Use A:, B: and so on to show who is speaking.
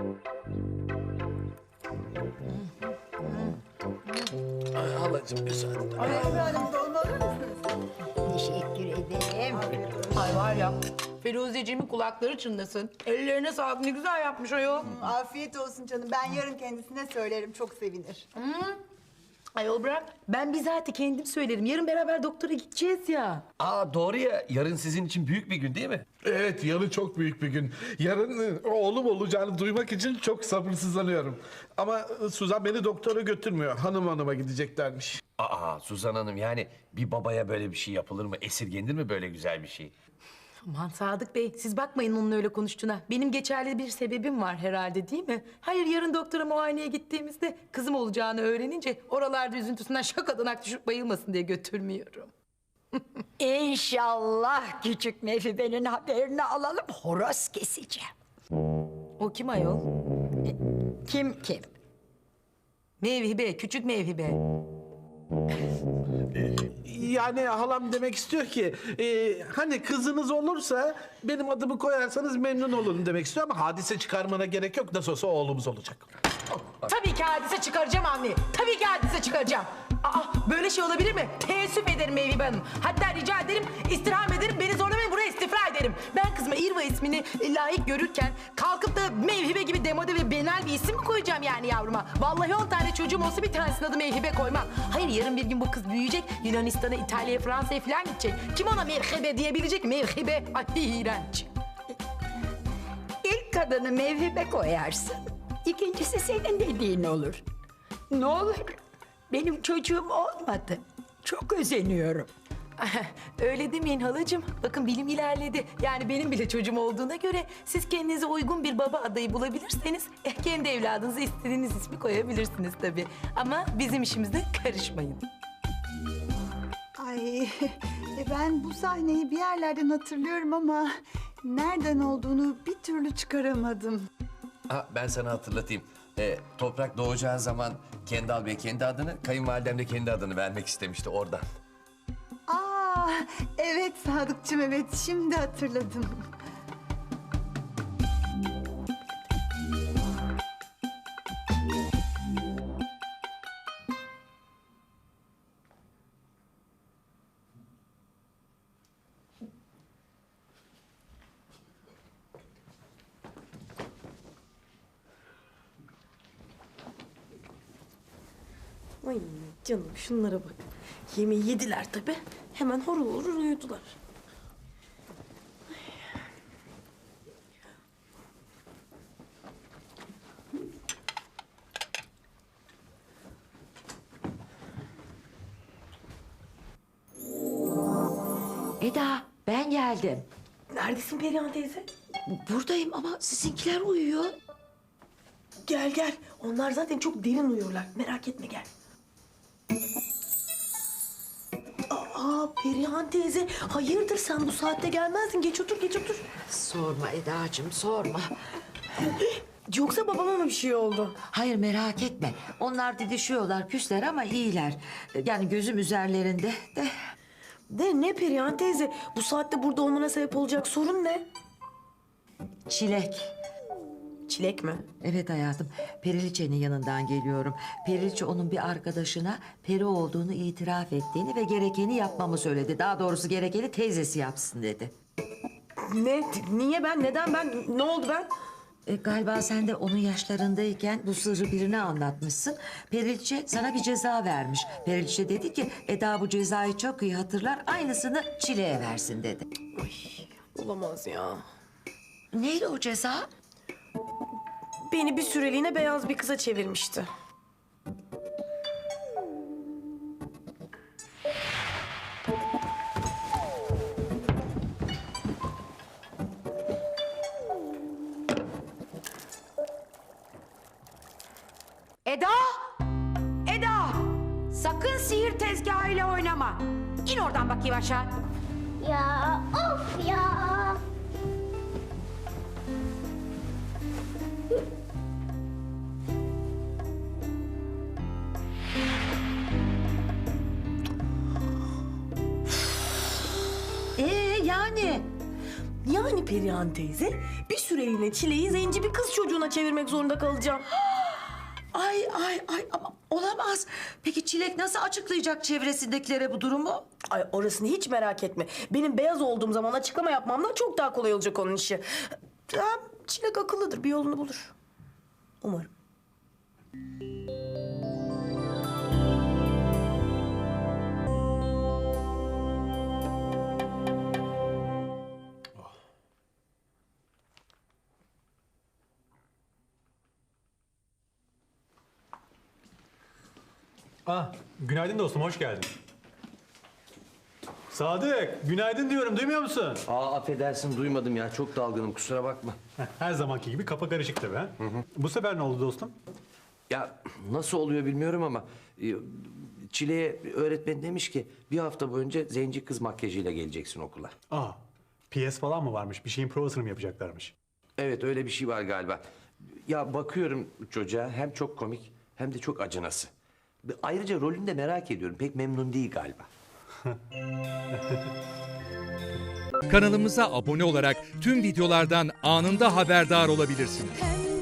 A: Ay halacığım müsaade.
B: Ay efendim dolma alır mısınız?
C: Teşekkür ederim.
D: Ay var ya, Firuzeciğimin kulakları çınlasın. Ellerine sağlık, ne güzel yapmış ayol.
B: Afiyet olsun canım. Ben yarın kendisine söylerim. Çok sevinir.
D: Ayol bırak, ben bizatihi kendim söylerim. Yarın beraber doktora gideceğiz ya.
A: Aa doğru ya, yarın sizin için büyük bir gün değil mi?
E: Evet, yarın çok büyük bir gün. Yarın oğlum olacağını duymak için çok sabırsızlanıyorum. Ama Suzan beni doktora götürmüyor. Hanıma gideceklermiş.
A: Aa Suzan Hanım, yani bir babaya böyle bir şey yapılır mı? Esirgenir mi böyle güzel bir şey?
D: Aman Sadık Bey, siz bakmayın onun öyle konuştuğuna. Benim geçerli bir sebebim var herhalde, değil mi? Hayır, yarın doktora muayeneye gittiğimizde kızım olacağını öğrenince oralarda üzüntüsünden şakadan düşüp bayılmasın diye götürmüyorum.
C: İnşallah küçük Mefibe'nin haberini alalım. Horoz keseceğim.
D: O kim ayol?
C: Kim?
D: Mevhibe, küçük Mevhibe.
E: Yani halam demek istiyor ki... hani kızınız olursa benim adımı koyarsanız memnun olurum demek istiyor... ama hadise çıkarmana gerek yok. Nasıl olsa oğlumuz olacak.
D: Tabii ki hadise çıkaracağım anne. Tabii ki hadise çıkaracağım. Aa, böyle şey olabilir mi? Teessüf ederim Mevhibe Hanım. Hatta rica ederim, istirham ederim. Beni zorlamayın, buraya istifra ederim. Ben kızıma İrva ismini layık görürken... kalkıp da Mevhibe gibi demode ve benel bir isim mi koyacağım yani yavruma? Vallahi 10 tane çocuğum olsa bir tanesinin adı Mevhibe koymam. Hayır, yarın bir gün bu kız büyüyecek. Yunanistan'a, İtalya'ya, Fransa'ya falan gidecek. Kim ona Mevhibe diyebilecek? Mevhibe. Ay iğrenç.
C: İlk adını Mevhibe koyarsın. İkincisi senin dediğin olur. Ne olur? Benim çocuğum olmadı. Çok özeniyorum.
D: Öyle demeyin halacığım. Bakın bilim ilerledi. Yani benim bile çocuğum olduğuna göre siz kendinize uygun bir baba adayı bulabilirseniz kendi evladınıza istediğiniz ismi koyabilirsiniz tabii. Ama bizim işimize karışmayın.
B: Ay ben bu sahneyi bir yerlerden hatırlıyorum ama... nereden olduğunu bir türlü çıkaramadım.
A: Ha, ben sana hatırlatayım. Toprak doğacağı zaman Kendal Bey kendi adını, kayınvalidem de kendi adını vermek istemişti oradan.
B: Aa, evet Sadıkçım, evet, şimdi hatırladım.
F: Ay canım şunlara bak. Yemeği yediler tabii. Hemen horul horul uyudular.
G: Eda, ben geldim.
F: Neredesin Perihan teyze?
G: Buradayım ama sizinkiler uyuyor.
F: Gel gel. Onlar zaten çok derin uyuyorlar. Merak etme gel. Aa Perihan teyze. Hayırdır sen bu saatte gelmezdin. Geç otur geç otur.
G: Sorma Edacığım, sorma.
F: Yoksa babama mı bir şey oldu?
G: Hayır, merak etme. Onlar didişiyorlar, küsler ama iyiler. Yani gözüm üzerlerinde de.
F: De ne Perihan teyze? Bu saatte burada olmana sebep olacak sorun ne?
G: Çilek.
F: Çilek mi?
G: Evet hayatım, Periliçe'nin yanından geliyorum. Periliçe onun bir arkadaşına peri olduğunu itiraf ettiğini ve gerekeni yapmamı söyledi. Daha doğrusu gerekeni teyzesi yapsın dedi.
F: Ne? Niye ben? Neden ben? Ne oldu ben?
G: Galiba sen de onun yaşlarındayken bu sırrı birine anlatmışsın. Periliçe sana bir ceza vermiş. Periliçe dedi ki Eda bu cezayı çok iyi hatırlar, aynısını Çile'ye versin dedi.
F: Olamaz ya.
G: Neydi o ceza?
F: Beni bir süreliğine beyaz bir kıza çevirmişti.
C: Eda! Eda! Sakın sihir tezgahıyla oynama. İn oradan bakayım aşağı.
H: Ya of ya.
G: Yani?
F: Yani Perihan teyze bir süreliğine Çile'yi zenci bir kız çocuğuna çevirmek zorunda kalacağım.
G: Ay ama olamaz. Peki Çilek nasıl açıklayacak çevresindekilere bu durumu?
F: Ay orasını hiç merak etme. Benim beyaz olduğum zaman açıklama yapmamdan çok daha kolay olacak onun işi. Ya, Çilek akıllıdır, bir yolunu bulur. Umarım.
I: Günaydın dostum, hoş geldin. Sadık, günaydın diyorum, duymuyor musun?
A: Affedersin duymadım ya. Çok dalgınım kusura bakma.
I: Her zamanki gibi kafa karışık tabii ha. Bu sefer ne oldu dostum?
A: Ya nasıl oluyor bilmiyorum ama Çile'ye öğretmen demiş ki bir hafta boyunca zenci kız makyajıyla geleceksin okula.
I: PS falan mı varmış? Bir şeyin provasını mı yapacaklarmış?
A: Evet öyle bir şey var galiba. Ya bakıyorum çocuğa hem çok komik hem de çok acınası. Ayrıca rolünü de merak ediyorum. Pek memnun değil galiba.
J: Kanalımıza abone olarak tüm videolardan anında haberdar olabilirsiniz.
K: Pembe